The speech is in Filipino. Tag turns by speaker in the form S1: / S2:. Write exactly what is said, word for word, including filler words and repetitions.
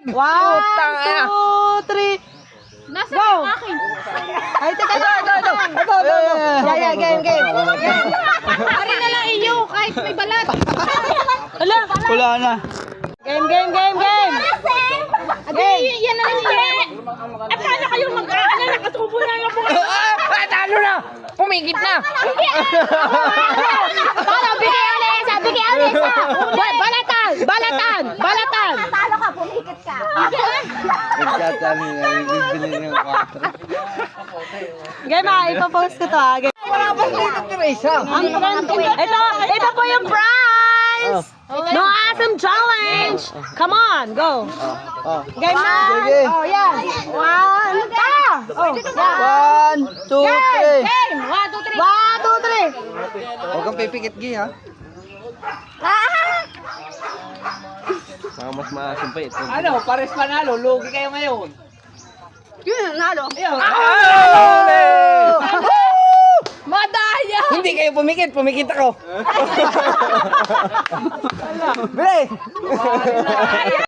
S1: One,
S2: Putang ina.
S1: two, three.
S3: Nasa
S1: Go!
S3: yung akin.
S1: Ay, teka, ito, ito, ito. Ito, ito, ito. Yeah, yeah, game, game. Game.
S3: Pari na lang iyo, kahit may balat.
S1: Hala.
S2: Wala na.
S1: Game, game, game, game.
S3: Adi, yan na lang yan. Eh, paano kayo mag-aano? Nakatubo na lang po kayo.
S2: Ah, talo na. Pumigit na.
S3: Paano, bigay ulit isa, bigay ulit isa. Ba- Balatan, balatan, balatan.
S4: Talo ka, pumikit ka.
S2: Nagkatali na. Bibili ng kwatro.
S1: Game ah, ipapost ko to ah. Game.
S2: Wala pa dito, Teresa.
S1: Ang friend, ito, ito po yung prize. No awesome challenge. Come on, go.
S2: Oh.
S1: Game na.
S2: Sige.
S1: Oh, yan. One, ta. Oh, yan.
S2: One, two,
S1: Game,
S2: three.
S1: game. One, two, three. One, two, three.
S2: Huwag kang pipikit, Gi, ha? Mga mas maasim pa ito.
S5: Ano, pares panalo, lugi kayo ngayon.
S1: Yun, nalo.
S3: Madaya!
S2: Hindi kayo pumikit, pumikit ako. Bili!